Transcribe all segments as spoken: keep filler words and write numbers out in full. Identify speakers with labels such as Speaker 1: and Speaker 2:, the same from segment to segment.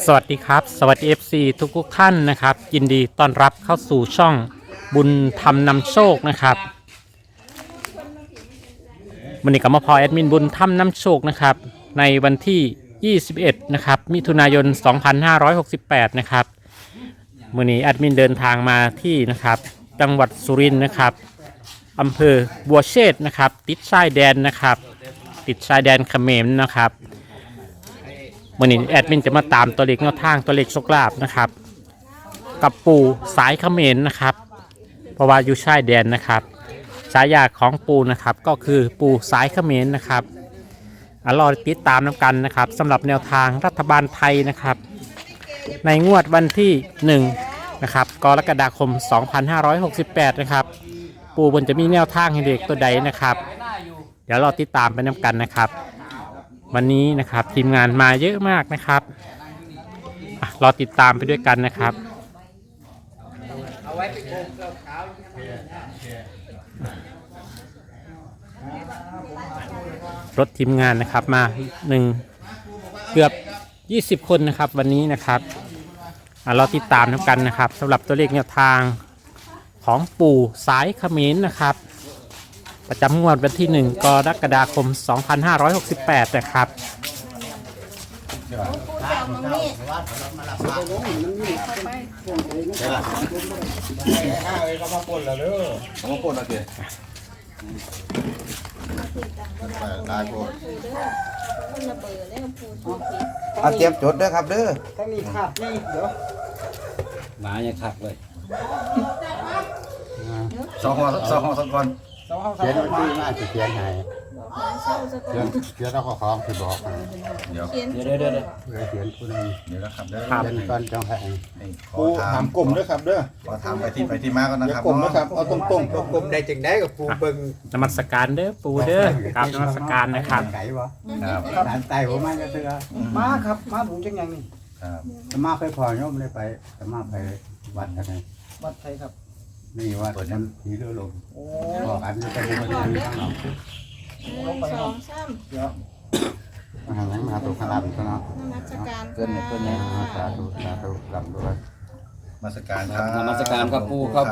Speaker 1: สวัสดีครับสวัสดี เอฟ ซี ทุกทุกท่านนะครับยินดีต้อนรับเข้าสู่ช่องบุญธรรมนำโชคนะครับวันนี้ก็มาพอแอดมินบุญธรรมนำโชคนะครับในวันที่ยี่สิบเอ็ดนะครับมิถุนายนสองพันห้าร้อยหกสิบแปดนะครับวันนี้แอดมินเดินทางมาที่นะครับจังหวัดสุรินทร์นะครับอำเภอบัวเชษฐ์นะครับติดชายแดนนะครับติดชายแดนเขมรนะครับวันนี้แอดมินจะมาตามตัวเลขแนวทางตัวเลขโชคลาภนะครับกับปู่สายเขมรนะครับเพราะว่าอยู่ชายแดนนะครับฉายาของปู่นะครับก็คือปู่สายเขมรนะครับอ่ะรอติดตามน้ำกันนะครับสำหรับแนวทางรัฐบาลไทยนะครับในงวดวันที่หนึ่งนะครับกรกฎาคมสองพันห้าร้อยหกสิบแปดนะครับปู่บนจะมีแนวทางให้เด็กตัวใดนะครับเดี๋ยวรอติดตามไปน้ำกันนะครับวันนี้นะครับทีมงานมาเยอะมากนะครับรอติดตามไปด้วยกันนะครับรถทีมงานนะครับมาหนึ่งเกือบยี่สิบคนนะครับวันนี้นะครับรอติดตามน้ำกันนะครับสำหรับตัวเลขแนวทางของปู่สายเขมรนะครับประจำงวดวันที่หนึ่งกรกฎาคมสองพันห้าร้อยหกสิบแปดนะครับ
Speaker 2: เอาเตรียมจดเด้อครับเด้อ
Speaker 3: ทั้งนี้ขาดนี่เดี๋ยว
Speaker 4: หมายังขักเลย
Speaker 2: สองห้องสองห้องสองคน
Speaker 3: สองห้องสา
Speaker 5: เขียน
Speaker 3: ม
Speaker 5: วันที่น่าจะเขียนให้เขียนเขียนแล้วก็ของที่บอกให้
Speaker 2: เดี๋ยว
Speaker 4: เดี๋ยวเดี๋ยวเดี๋ยว
Speaker 5: เพื่อเขียนผู้นึง
Speaker 2: เดี๋ยวนะครับเด้อ
Speaker 5: เขียนก่อนจังให้
Speaker 2: ให้ขอ
Speaker 6: ปู
Speaker 2: ถา
Speaker 6: ถาม มกลุ่มด้วยครับเด้อ
Speaker 2: ขอถามไปที่ไปที่มาก่อนนะ
Speaker 6: เดี๋ย
Speaker 2: ครับ
Speaker 6: วกลุ่มนะครับเอาตรงๆตรง
Speaker 3: กลมได้จึงได้กับปูเบิง
Speaker 1: นมัสการเด้อปู่เด้อครับนมัสการนะครับ
Speaker 5: ไก่บ่
Speaker 2: ครับ
Speaker 5: สารไต่ผมมาจะเถื่อ
Speaker 3: มาครับมาผมจังยังนี่
Speaker 2: ครับ
Speaker 5: สมาไปพอโยมเลยไปสมาไปวัดอะไร
Speaker 3: วัดไทยครับ
Speaker 5: นี่วัดมันผีเรือลม
Speaker 3: โอ้
Speaker 5: บอกอันนี้ไปดูมันมีข้างหลัง
Speaker 3: ลงไป
Speaker 7: ส
Speaker 3: ค
Speaker 7: อ
Speaker 3: รับ
Speaker 7: งสาม
Speaker 3: เดี๋ยว
Speaker 5: มาหาหลังมาตุขลับซะเนาะ
Speaker 7: นมัสการ
Speaker 5: เกินเกินเนี่ยสาธุสาธุลำด้วย
Speaker 2: มาสการครับ
Speaker 4: นมัสการครับปู่ครับผม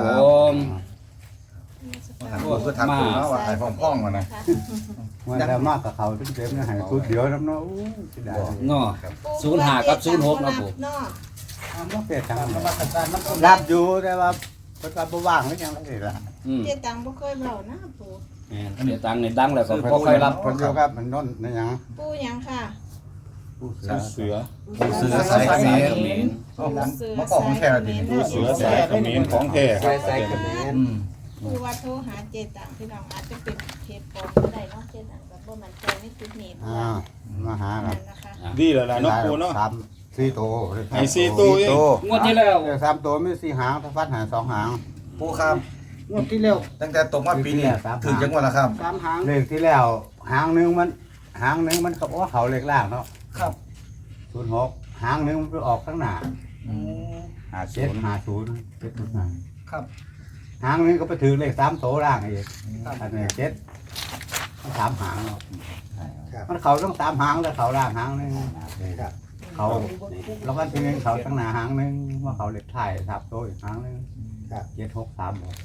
Speaker 2: ถามปูเพื่อถามปูเนาะว่าหายพ่องๆมานะ
Speaker 5: วันแล้วมากกับเขาเต็มๆเนี่ยให้พูดเดียวน้ำเนาะอู้สิได้
Speaker 4: เนาะ ศูนย์ห้ากับศูนย์หกนะปู่
Speaker 7: เนาะ
Speaker 5: อ้าวบ่เปลี่ยนทาง
Speaker 3: นมัสการน้ำส้ม
Speaker 5: รับอยู่แต่ว่าเพิ่นว่าบ่ว่างหรือยังไงล่ะ
Speaker 4: อืม
Speaker 7: เจตังบ่เคยเบานะปู่
Speaker 4: เดี๋ยวตังค์ในดังแล้วก็พอค่อยรับ
Speaker 5: คนเดียวครับมันน้นนะยัง
Speaker 7: ปู่หยังค่ะ
Speaker 5: ผู้เสือ
Speaker 6: เสือ
Speaker 2: ปูเสือสายเขมร
Speaker 4: เขมร
Speaker 2: เอ้าผมมาบอกผมแค่ดิ
Speaker 6: ปูเสือสายเขมรของแท้ครับ
Speaker 2: อืม
Speaker 7: ปู่ว่าโทรหาเจตังพี่น้องอาจจะเป็นเพจปลอมก็ได้เนาะเจตังแบบบ่มั่นใจในจุดนี้
Speaker 5: อ่ามาหาครั
Speaker 7: นั่
Speaker 5: บ
Speaker 7: นนะคะ
Speaker 6: ดีแล้วล่ะเนาะปูเนาะ
Speaker 5: สามสี่โต
Speaker 6: ไอ้สี่ตัวเอง
Speaker 4: งวดที่แล้ว
Speaker 5: เดี๋ยวสามโตมีสี่หางถ้าฟัดหาสองหาง
Speaker 2: ปูครับ
Speaker 3: งวดที่แล้ว
Speaker 2: ตั้งแต่ตกมาปีนี้ถึงจังหวัดละครับ
Speaker 3: สามหาง
Speaker 5: เลขที่แล้วหางหนึงมันหางหนึงมันเขาว่าเขาเลขล่างเนาะ
Speaker 3: ครับ
Speaker 5: ศูนย์หกหางหนึงมันไปออกข้างหน้า
Speaker 3: โอ้
Speaker 5: หาเจ็ดหาศูนย์เจ็ดศูนย์ห้า
Speaker 3: ครับ
Speaker 5: หางหนึงก็ไปถือเลขสามโตล่างอีกอันนี้เจ็ดมันสามหางเนาะมันเขาต้องสามหางแล้วเขาล่างหางหนึงเขาแล้วก็ทีนึงเขาตั้งหน้าหางหนึงว่าเขาเลขท้ายทับโตอีกหางหนึงเจ็ดหกสามบอก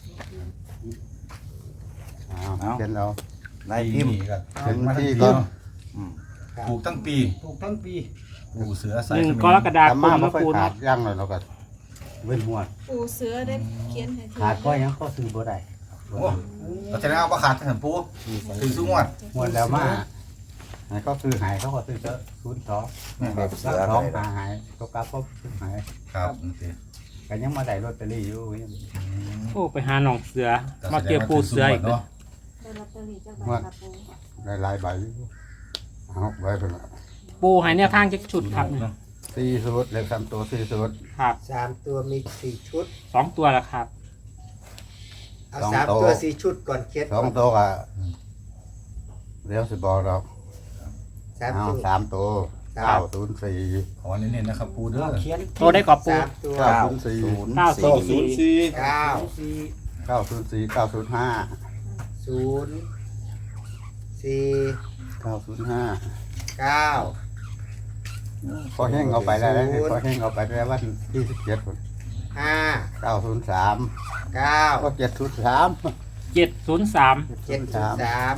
Speaker 5: อ้าวเจ็ดแล้ว
Speaker 2: นายพิมพ์ครับ
Speaker 5: เป็น
Speaker 2: มา
Speaker 5: ที่
Speaker 2: ที่
Speaker 5: ก็
Speaker 2: ก็ถูกทั้งปี
Speaker 3: ถูกทั้งปี
Speaker 2: ปูเสือ
Speaker 1: ห
Speaker 2: สาย
Speaker 1: นึ่ง
Speaker 2: เขม
Speaker 1: ก
Speaker 2: ร
Speaker 1: รกฎาค
Speaker 5: แต่
Speaker 1: ม
Speaker 5: มาไม่
Speaker 1: นะ
Speaker 5: ค่อย
Speaker 1: ปู่
Speaker 5: ขา
Speaker 1: เนาะ
Speaker 5: ดย่างเลยเราก็เว้นหัว
Speaker 7: ปู่เสือได้เขียนให้ที
Speaker 5: ขาดก็ยังก็ซื้อบ่ได้
Speaker 2: โอ้เราจะได้เอาประขาดถึงปูถึงสุงวด
Speaker 5: หมดแล้วมาไหนก็ซื้อหายเขาก็ซื้อเจอะศูนย์สอง
Speaker 2: ครับเสือ
Speaker 5: สองหาหายตัวกลับก็ซื้อหาย
Speaker 2: ครับโอเค
Speaker 5: กันยังมาได้ลอตเตอรี่อยู่ยัง
Speaker 1: โอ้ไปหาหนองเสือมาเจอปู่เสืออีกเลย
Speaker 7: ได้ลอตเตอรี่จักใบค่ะปู่
Speaker 5: ได้หลายใบอยู่เอาไว้เป็นละ
Speaker 1: ปู่ให้แนวทางจักชุดครับเนี่ย
Speaker 5: สี่สุดเลขสามตัวสี่สุด
Speaker 1: ครับ
Speaker 3: สามตัวมีสี่ชุด
Speaker 1: สองตัวละครับ
Speaker 3: เอาสามตัวสี่ชุดก่อนเขียน
Speaker 5: สองตัวก็เดี๋ยวสิบอกเรา
Speaker 3: สาม
Speaker 5: เอา
Speaker 3: ตัว
Speaker 5: สามตัวเก้าศูนย์สี่
Speaker 2: ขอเน้นๆนะครับปูเด้อ
Speaker 3: เขียน
Speaker 1: โทรได้ก่อนปู่
Speaker 3: สามตัว
Speaker 5: เก้าศูนย์สี่
Speaker 1: เก้า
Speaker 6: สอง
Speaker 1: สี่
Speaker 6: ศูนย์สี่
Speaker 3: เก้าสี่
Speaker 5: เก้าศูนย์สี่เก้าศูนย์ห้า
Speaker 3: ศูนย์สี่
Speaker 5: เก้าศูนย์ห้า
Speaker 3: เก้า
Speaker 5: พอแห้งเอาไปแล้วพอแห้งเอาไปแล้ววันที่สิบเจ็ด
Speaker 3: ห้า
Speaker 5: เก้าศูนย์สาม
Speaker 3: เก้า
Speaker 5: ก็เจ็ดศูนย์สาม
Speaker 1: เจ็ดศูนย์สาม
Speaker 3: เจ็ดศูนย์สาม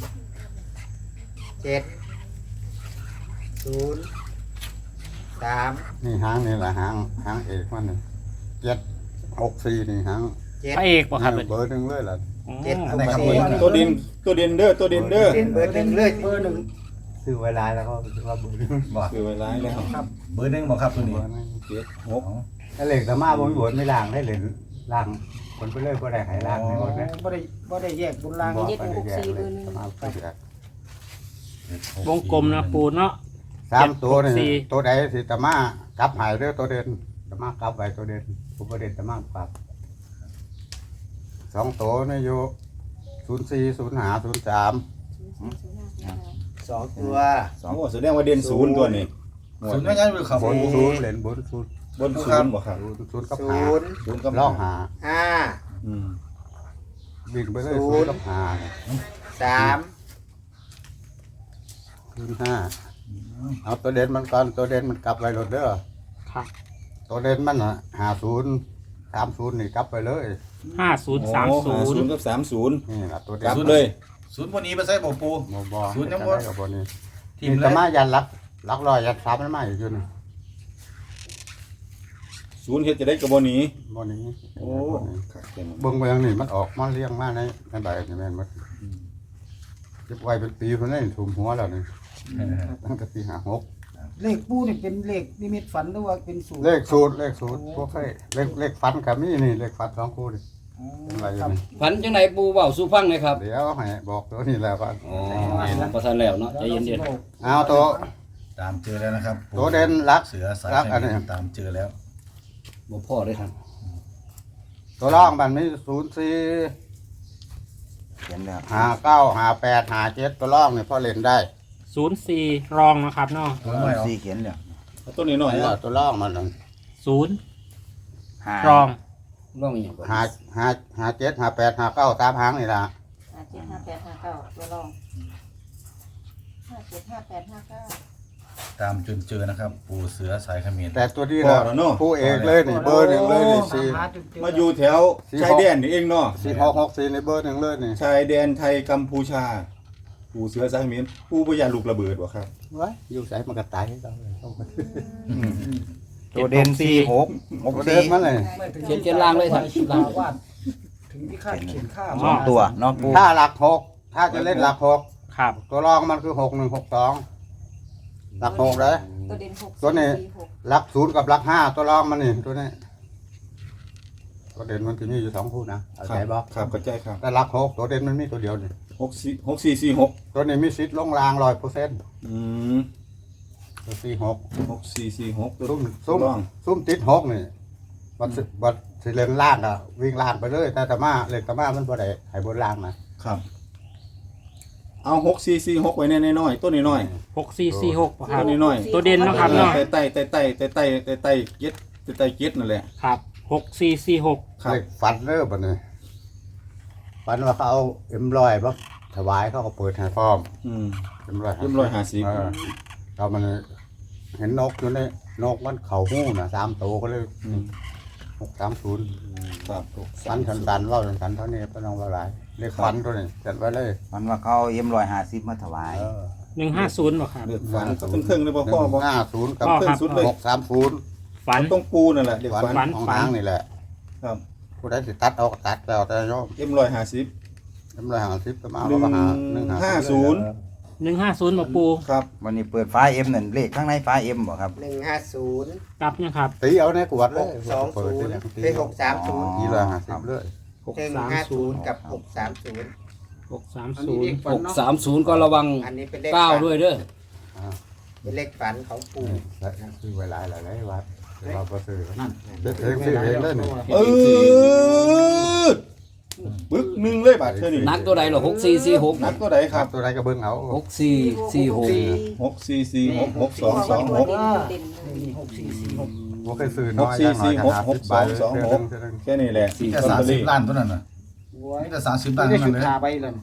Speaker 3: เจ็ดศูนย์สาม
Speaker 5: นี่หางนี่แหละหางหางเอกมันนี่เจ็ดหกสี่นี่หาง
Speaker 3: เจ็ด
Speaker 1: พระเอกป่ะครับ
Speaker 5: เบอร์หนึ่งเลยล่ะ
Speaker 3: เจ็ด
Speaker 2: อันไหนครับ
Speaker 3: สี่
Speaker 6: ตัวดินตัวดินเด้อตัวดินเด้อ
Speaker 3: เบอร์หนึ่งเลยเบอร์หนึ่ง
Speaker 5: ซื้อเวลาแล้วก็ว่าเบอร์หนึ่ง
Speaker 2: บ่
Speaker 6: คือไว้ร้ายแล้ว
Speaker 2: ครับเบอร์หนึ่งบ่ครับตัวนี้
Speaker 5: เบอร์หนึ่ง
Speaker 6: เจ็ดหก
Speaker 5: ถ้าเหล็กแต่มาบนบนไม่ล่างได้เหล็กล่างคนไปเรื่อยก็ได้หายล่างในหมดนะ
Speaker 3: บ่ได้บ่ได้แยกบนล่าง
Speaker 5: บอกไปแยกเลยมาไปแยก
Speaker 1: วงกลมนะปูเนาะ
Speaker 5: สามตัว
Speaker 1: เจ็ดหกสี่
Speaker 5: นี่ตัวใดสิตะมากลับหายเด้อตัวเด่นตะมากลับไปตัวเด่นผมประเด็นตะมากลับสองตัวนี่อยู่ศูนย์สี่ศูนย์หาศูนย์สาม
Speaker 3: สองตัว
Speaker 6: สองโอ้แสดงว่าเด่นศูนย์ตัวนี้
Speaker 2: ศูนย์ไม่งั้นคือเขา
Speaker 5: บนศูนย์เหรียญบนศูนย์
Speaker 6: บนศูนย์บ่ครับ
Speaker 5: ศูนย์กับ
Speaker 3: ศู
Speaker 5: หาน
Speaker 3: ย์
Speaker 6: ศูนย์กับ
Speaker 5: ล่องหา
Speaker 3: ห้า
Speaker 6: อืม
Speaker 5: วิ่งไปเลย
Speaker 3: ศู
Speaker 5: ศูน
Speaker 3: นย์
Speaker 5: ย์กับหา
Speaker 3: สาม
Speaker 5: ศูนย์ห้าเอาตัวเด่นมันก่อนตัวเด่นมันกลับไปรถเด้อ
Speaker 1: ครับ
Speaker 5: ตัวเด่นมันอ่ะหาศูนย์สามศูนย์นี่กลับไปเลย
Speaker 1: ห้าศูนย์สาม
Speaker 6: โอ้
Speaker 1: ศู
Speaker 6: ห้าน ศูน
Speaker 1: ย์
Speaker 6: ย์กับสามศูนย์
Speaker 5: นี่ล่ะตัว
Speaker 6: ก
Speaker 5: เด่
Speaker 6: ลั
Speaker 5: น
Speaker 6: บเลย
Speaker 2: ศูนย์วันนี้ไปใส่บ่ปู
Speaker 5: โมบอ
Speaker 2: ศูนย์ยังบ่
Speaker 5: บ่กับบนี้
Speaker 2: ที
Speaker 5: ที
Speaker 2: ม
Speaker 5: ม
Speaker 2: เล
Speaker 5: ตะ
Speaker 2: ย
Speaker 5: มายันลักลักลอยยันสามมันมาอยู่อยู่นี่
Speaker 6: ศูนย์เฮ็ดจะได้กับบนี้
Speaker 5: บนนี้
Speaker 6: โอ้
Speaker 5: บนนี้
Speaker 6: ครับเต็ม
Speaker 5: เบิ่งเบิ่งนี่มันออกมาเลี้ยงมาในในใบนี่แม่นหมดเก็บไว้เป็นปีคนนี้ถุมหัวแล้วนี่ตั้งแต่ปีห้าหก
Speaker 8: เลขปูนี่เป็นเลขนิมิตฝันหรือว่าเป็นสูตร
Speaker 5: เลขสูตรเลขสูตรพวกให้เลขเลขฟันกับมีนี่เลขฟันสองคู่นี่
Speaker 8: อ๋อ
Speaker 5: เป็นไรอ
Speaker 8: ค
Speaker 5: ยู่
Speaker 8: รับ
Speaker 5: นี่
Speaker 4: ฝันจังไหนปูเว้าสู่ฟังหน่อยครับ
Speaker 5: เดี๋ยวให้บอกตัวนี้แล้วก่อน
Speaker 4: อ๋อบ่ทันแล้วเนาะใจเย็น
Speaker 5: เอาตัว
Speaker 2: ตามเจอแล้วนะครับ
Speaker 5: ตัวเด่นรัก
Speaker 2: เสือสาย
Speaker 5: รักอันนี้
Speaker 2: ตามเจอแล้ว
Speaker 4: ๆบ่พอเลยครับ
Speaker 5: ตัวร่องมันมีศูนย์สี่
Speaker 3: เขียนแล้ว
Speaker 5: ห้าเก้าห้าแปดห้าเจ็ดตัวร่องนี่พอเล่นได้
Speaker 1: ศูนย์สี่รองนะครับเนาะ
Speaker 2: ตัวน้อยเอา
Speaker 3: สี่เขียนแล้ว
Speaker 6: เอาตัวนี้หน่อย
Speaker 5: นี่
Speaker 6: เนาะ
Speaker 5: ล่ะตัวร่องมันนั่น
Speaker 1: ศูนย์
Speaker 3: ห้าร
Speaker 1: อง
Speaker 4: ร้องอีหยังก่อน
Speaker 5: ห้าห้าห้าเจ็ดห้าแปดห้าเก้าตามหางนี่ล่ะ
Speaker 9: ห้าเจ็ดห้าแปดห้าเก้าตัวรองห้าเจ็ดห้าแปดห้าเก้า
Speaker 2: ตามจนเจอนะครับ ปูเสือสายเขมิ้น
Speaker 5: แต่ตัวนี้
Speaker 6: พอ
Speaker 5: นะ
Speaker 6: แล้วเนาะ
Speaker 5: ผู้เอกเลยนี่เบอร์หนึ่งเลยนี่สี่
Speaker 8: หาจนเจอ
Speaker 6: มาอยู่แถวชายแดนนี่เองเนาะ
Speaker 5: สี่หกหกสี่ในเบอร์หนึ่งเลยนี่
Speaker 6: ชายแดนไทยกัมพูชาปู่เสือสายเขมิ้นปู่บ่อยากลูกระเบิดบ่ครับ
Speaker 5: ไว้อยู่ใส่มันก็ตายให้เราเลย
Speaker 1: ตัวเด่นสี่หก
Speaker 5: ตัวเดินมาเลย
Speaker 8: ไม่ถึง
Speaker 4: เขียนเขียนล่างเลยครับล่างเลย
Speaker 8: วาดถึงที่คาดเขียนค่า
Speaker 1: อ๋อ
Speaker 3: ตัวเนาะปู
Speaker 5: ถ้าหลักหกถ้าจะเล่นหลักหก
Speaker 1: ครับ
Speaker 5: ตัวรองมันคือหกหนึ่งหกสองหลักหกเลย
Speaker 9: ตัวเด่นหก
Speaker 5: ตัวนี้
Speaker 9: สี่หก
Speaker 5: หลักศูนย์กับหลักห้าตัวรองมันนี่ตัวนี้ตัวเด่นมันจะมีอยู่สองคู่นะเอา
Speaker 6: ครั
Speaker 5: ใจบอก
Speaker 6: ครับเข้าใจครับ
Speaker 5: แต่หลักหกตัวเด่นมันมีตัวเดียวนี่
Speaker 6: หกสี่หกสี่สี่หก
Speaker 5: ตัวนี้มีสิทธิ์ลงรางร้อยเปอร์เซ็นต์
Speaker 6: อืม
Speaker 5: ตัวสี่หก
Speaker 6: หกสี่สี่หกตัว
Speaker 5: ซุ่ม
Speaker 6: ซุ่
Speaker 5: ซุ่
Speaker 6: ม
Speaker 5: มซุ่มติดหกนี่บัดสิบัดสิเล่นล่างอะวิ่งล่างไปเลยแต่ตะมาเล่นตะมามันบ่ได้ให้บนล่างนะครับ
Speaker 6: เอาหกสี่สี่หกไว้แน่ๆน้อยตัวน้อย
Speaker 1: หกสี่สี่หก
Speaker 6: ๆ
Speaker 1: ครั
Speaker 6: ตั
Speaker 1: บ
Speaker 6: วน้อย
Speaker 1: ตัวเด่น
Speaker 6: ๆ
Speaker 1: เนาะครับเนาะ
Speaker 6: ไต่ไต่ไต่ไต่ไต่ไต่ไต่ไต่เก็ดไต่ไต่เก็ดนั่นแหละ
Speaker 1: ครับหกสี่สี่หก
Speaker 6: ครับ
Speaker 5: เล็กฟันเด้อบัดนี้ฟันว่าเขาเอาเอ็มร้อยบ่ถวายเขาก็เปิดให้พร้อม
Speaker 6: อืม
Speaker 5: เอ็มร้อย
Speaker 6: เรียบร้อยห้าสิบ
Speaker 5: เออเรามันเห็นนกอยู่ในนกมันเข่าหู้น่ะสามตัวก็เลย
Speaker 6: อืม
Speaker 5: หกสามศูนย์
Speaker 6: ครับ
Speaker 5: ฟันสันสันๆว่าสันสันๆเท่านี้ก็ต้องว่าหลายเรียกฟันตัวนี้จัดไว้เลย
Speaker 3: มันว่าเขาเอาเอ็มร้อยห้าสิบมาถวาย
Speaker 5: เออ
Speaker 1: หนึ่งห้าศูนย์บ่ครับ
Speaker 6: เลือดฝันก็เครื่องๆเลยบ่พ่อบ่
Speaker 5: ห้าศูนย์กับ
Speaker 1: พ่อ
Speaker 6: เครื่
Speaker 1: ค
Speaker 6: อ
Speaker 1: รั
Speaker 6: ง
Speaker 1: บ
Speaker 6: สุดเลย
Speaker 5: หกสามศูนย์
Speaker 1: ฝัน
Speaker 6: ต้องปูนั่นแหละเด็ก
Speaker 5: ฝั
Speaker 6: ฝั
Speaker 5: น
Speaker 6: น
Speaker 1: ฝัน
Speaker 5: ของหางนี่แหละ
Speaker 6: ครับ
Speaker 5: ผู้ใดสิตัดเอาก็ตัดแล้วแต่โยม
Speaker 6: เอ็มร้อยห้าสิบ
Speaker 5: เอ็มร้อยห้าสิบก็มาเอามาหา
Speaker 6: หนึ่ง
Speaker 5: ห
Speaker 6: ห้าศูนย์
Speaker 1: หนึ่งห้าศูนย์บ่ปู
Speaker 6: ครับ
Speaker 3: วันนี้เปิดฟ้าเอ็มนั่นเลขข้างในฟ้าเอ็มบ่ครับ
Speaker 10: หนึ่งห้าศูนย์
Speaker 1: กลับยังครับ
Speaker 5: ตีเอาในกวดเลย
Speaker 10: หกสองศูนย์เป็นหกสามศูนย์
Speaker 5: ยี่ร้อยห้าสิบเลย
Speaker 1: หก
Speaker 10: หนึ่ง
Speaker 1: สาม
Speaker 10: ห้า
Speaker 1: ศู
Speaker 10: ศู
Speaker 1: น
Speaker 10: น
Speaker 1: ย์
Speaker 10: ย์กับหกสามศูนย์
Speaker 1: หกสาม
Speaker 8: อัน
Speaker 1: ศู
Speaker 8: นี้
Speaker 1: น
Speaker 8: เล
Speaker 1: ย์
Speaker 8: ขฝัน
Speaker 4: หก
Speaker 8: เนาะ
Speaker 4: สามศูนย์ก็ระวัง
Speaker 10: อันนี้เป็นเลข
Speaker 4: เก้า
Speaker 10: ฝัน
Speaker 4: ด้วยเด้อ
Speaker 10: เป็นเลขฝันของปู่
Speaker 5: ซื้อไว้หลายหลายหลายวัดแต่เราก็ซื้อนั่นเด็กเองซื้อเองเลยนี่
Speaker 6: เออปึ๊กหนึ่งเลยบาทเท่านี้
Speaker 4: นักตัวใดเหรอหกสี่สี่หก
Speaker 6: นักตัวใดค
Speaker 5: ครั
Speaker 6: รั
Speaker 5: บบ ตัวใดก็เบิ่งเอา
Speaker 4: หกสี่สี่หก
Speaker 6: หกสี่สี่หกหกสองสองหก
Speaker 9: เด่นเลย
Speaker 8: นี่หกสี่สี่หก
Speaker 5: บ่เคยซื้อน้อยอย่างน้อยก็หาสิบบาท
Speaker 6: หกสี่สี่หกหกสองสองหก แค่นี้แหละสี่
Speaker 2: แค่
Speaker 6: ต้น
Speaker 2: สาม
Speaker 6: ตะ
Speaker 2: สิ
Speaker 6: ลี
Speaker 2: บล้านตัวนั้นน่ะ
Speaker 8: โอ้ย
Speaker 2: นี่แต่สามสิบล้าน
Speaker 8: ได้
Speaker 2: เท่า
Speaker 8: ชุ
Speaker 2: นั้
Speaker 8: ด
Speaker 2: นเลย
Speaker 8: ขาไปเลย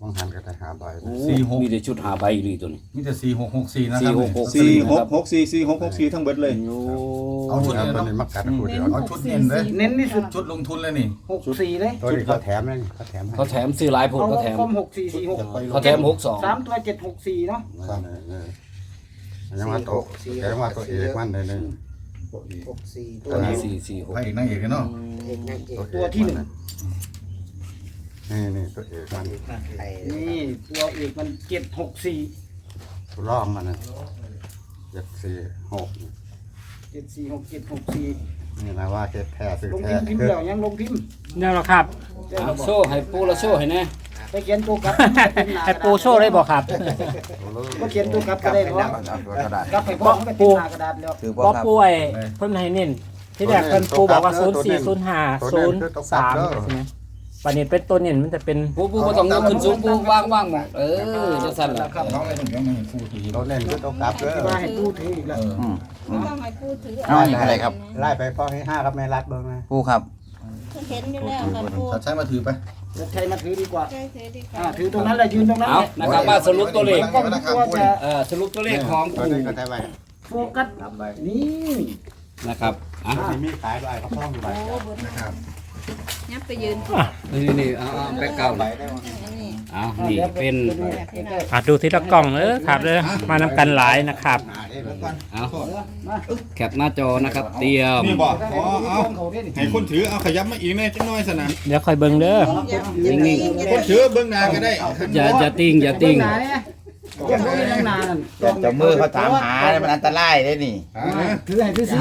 Speaker 5: บางหันก็ได้หาใบ
Speaker 4: โอ้มีแต่ชุดหาใบนี่ตัวนี้
Speaker 6: มีแต่สี่หกหกสี่นะค
Speaker 4: สี่
Speaker 6: รับ
Speaker 4: หกหก
Speaker 6: สี่หกหกสี่สี่หกหกสี่ทั้งเบิดเลย
Speaker 4: โอ้
Speaker 6: เอาชุด
Speaker 5: แล้ว
Speaker 6: เดียว
Speaker 5: ตัวนี้มากัดกูเดียว
Speaker 6: เอาชุดเน้นเลย
Speaker 8: เน้นที่สุด
Speaker 6: ชุดลงทุนเลยนี่
Speaker 8: หกสี่เลย
Speaker 5: ตัวนี้เขาแถมเลยเขาแถมให้
Speaker 4: เขาแถมซื้อหลายผล
Speaker 8: เอา
Speaker 4: เขาแถม
Speaker 8: คมหกสี่สี่หก
Speaker 4: เขาแถมหกสอง
Speaker 8: สามตัวเจ็ดหกสี่เนาะ
Speaker 5: ครับยังว่าตัวยังว่าตัวเอกมันเลยนี่
Speaker 10: หกสี่ตั
Speaker 4: ตัว ว
Speaker 10: นี้
Speaker 4: นี้สี่สี่หก
Speaker 6: พระเอกนางเอกเนาะ
Speaker 10: เอกนางเอก
Speaker 8: ตัวที่หนึ่ง
Speaker 5: นี่นี่ตัวเอกมัน
Speaker 10: ไอ้
Speaker 8: นี่ตัวเอกมันเจ็ดหกสี่
Speaker 5: ตัวร่องมันนะเจ็ดสี่หก
Speaker 8: เจ็ดสี่หกเจ็ดหกสี่
Speaker 5: นี่นะว่าเจ็ดแท้ซื้อ
Speaker 8: ลง
Speaker 5: แท้
Speaker 8: พิมพ์พิมพ์
Speaker 5: คือ
Speaker 8: แล้วยังลงพิมพ์
Speaker 1: นี่แหละครับ
Speaker 8: เจ้า
Speaker 4: อ่ะ
Speaker 8: บอก
Speaker 4: โซ่ให้ปูละโซ่ให้แน่
Speaker 8: ไปเขียนตัวกลับ
Speaker 1: ให้ปูโชว์ได้บอกครับ
Speaker 8: ก็เขียนตัวกลับก็ได้เพราะ
Speaker 2: เอาตัวกระดาษ
Speaker 8: กลับไปบอกเขาไปติดหน้ากระดาษแล้ว
Speaker 2: คือ
Speaker 1: บ่
Speaker 2: บ่ครับ
Speaker 1: ป่วยเพิ่นให้เน้นที่แรกเพิ่นปูบอกว่าศูนย์สี่ศูนย์ห้าศูนย์สามใช่ไหมปานนี้เป็นตัวเน้นมันจะเป็น
Speaker 4: ปูปูบ่ต้องยกขึ้นสูงปูว่างว่างหมดเออจังซั่นล่ะ
Speaker 6: น้องไอ้คนเดียวไม่เห็นคู่ที
Speaker 5: เราเล่นคือตัวกลับเด้อ
Speaker 8: มาให้ตู้ถืออีกแล้ว
Speaker 2: อืม
Speaker 7: ไม่ต้องให้พูดถือ
Speaker 2: เอาอันนี้อะไรครับ
Speaker 5: ไล่ไปพ่อให้ห้าครับแม่รัดเบิ่งนะ
Speaker 2: ผู้ครับ
Speaker 7: เห็นอยู่แล้วค่ะพูด
Speaker 6: ชัดใช้มาถือไป
Speaker 8: จะใช้มาถือดีกว่า
Speaker 7: ใช่ถือดีก
Speaker 8: อ่า
Speaker 7: ว่า
Speaker 8: ถือตรงนั้นแหละยืนตรงนั้น
Speaker 4: เอา
Speaker 8: แหละ
Speaker 4: นะครับมาสรุปตัวเลข
Speaker 8: ก็รู้ตัวจะ
Speaker 4: เอ่อสรุปตัวเลขของ
Speaker 5: ตัว
Speaker 4: ปู
Speaker 5: นี้ก็ได้ไว้
Speaker 8: โฟกัสนี่
Speaker 4: นะครับอ่ะ
Speaker 5: ที่มีขายด้วยเขาพ้องอยู่ใบ
Speaker 7: โอ้บนยับไปยืน
Speaker 4: นี่นี่เอาเอาแบ็คกราวด์
Speaker 7: นี่
Speaker 4: เอานี่เป็น
Speaker 1: อ่ะดูทีละกล่องเด้อครับเด้อมานำกันหลายนะครับ
Speaker 4: เอาแคปหน้าจอนะครับ เตรียม
Speaker 6: นี่บอกอ๋อเอา
Speaker 8: เขาได้ดิ
Speaker 6: ให้คนถือเอาขยับมาอีกแน่จังน้อยสนะ
Speaker 1: เดี๋ยวค่อยเบิ่งเด้อ
Speaker 4: นิ่ง
Speaker 6: คนถือเบื้องหน้าก็ได้
Speaker 4: ๆอย่าอย่าติ้งอย่าติ้ง
Speaker 8: นานเนี่ยยังไม่ได้นานนั่น
Speaker 2: เจ้ามือเขาถามหาเนี่ยมันอันตรายได้นี่
Speaker 8: ถือให้ซื้อ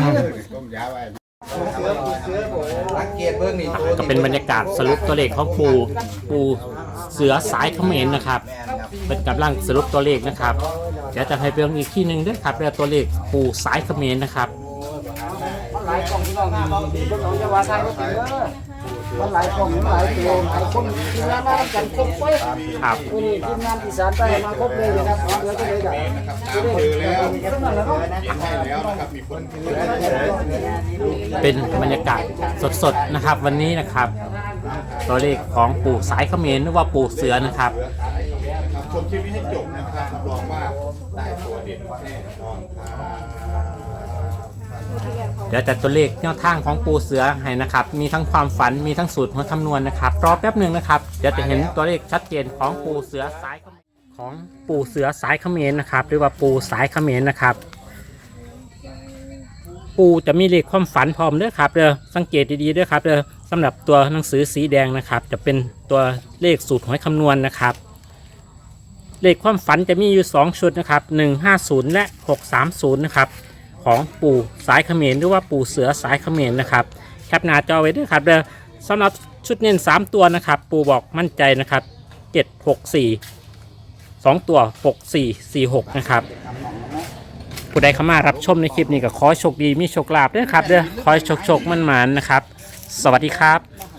Speaker 2: สังเกตเบื้องนี่ตัว
Speaker 1: ก็เป็นบรรยากาศสรุปตัวเลขของปูปูเสือสายเขมรนะครับเป็นกำลังสรุปตัวเลขนะครับเดี๋ยวจะให้เบิ่งอีกที่หนึ่งด้วยครับแล้วตัวเลขปูสายเขมรนะครับ
Speaker 8: มันหลายกล่องที่น้องดีพวกน้องจะว่าทายก็ถือมันหลายกล่องมันหลายตัวหลายคนทีมงานมากันครบไป
Speaker 1: ครับ
Speaker 8: วันนี้ทีมงานอีสานใต้มาครบเลยนะครับเดี๋ยวจะได้กันจะได้แล้ว
Speaker 1: เป็นบรรยากาศสดๆนะครับ วันนี้นะครับ ตัวเลขของปู่สายเขมรหรือว่าปู่เสือนะครับ
Speaker 6: ชมคลิปนี้ให้จบนะครับรับรองว่าได้ตัวเด็ดแน่นอนครับ
Speaker 1: เดี๋ยวจัดตัวเลขแนวทางของปูเสือให้นะครับ มีทั้งความฝันมีทั้งสูตรหัวคำนวณนะครับรอแป๊บหนึ่งนะครับเดี๋ยวจะเห็นตัวเลขชัดเจนของปูเสือสายเขมรของปูเสือสายเขมรนะครับหรือว่าปูสายเขมรนะครับ ปูจะมีเลขความฝันพร้อมเด้อครับเด้อสังเกตดีๆเด้อครับเด้อสำหรับตัวหนังสือสีแดงนะครับ จะเป็นตัวเลขสูตรหวยคำนวณนะครับ เลขความฝันจะมีอยู่สองชุดนะครับหนึ่งห้าศูนย์และหกสามศูนย์นะครับของปู่สายเขมรหรือว่าปู่เสือสายเขมรนะครับแคปหน้าจอไว้ด้วยครับเด้อสำหรับชุดเน้นสามตัวนะครับ ปู่บอกมั่นใจนะครับเจ็ดหกสี่สองตัวหกสี่สี่หกนะครับผู้ใดเข้ามารับชมในคลิปนี้ก็ขอให้โชคดีมีโชคลาภด้วยครับเด้อขอให้โชคโชคมั่นหมานนะครับ สวัสดีครับ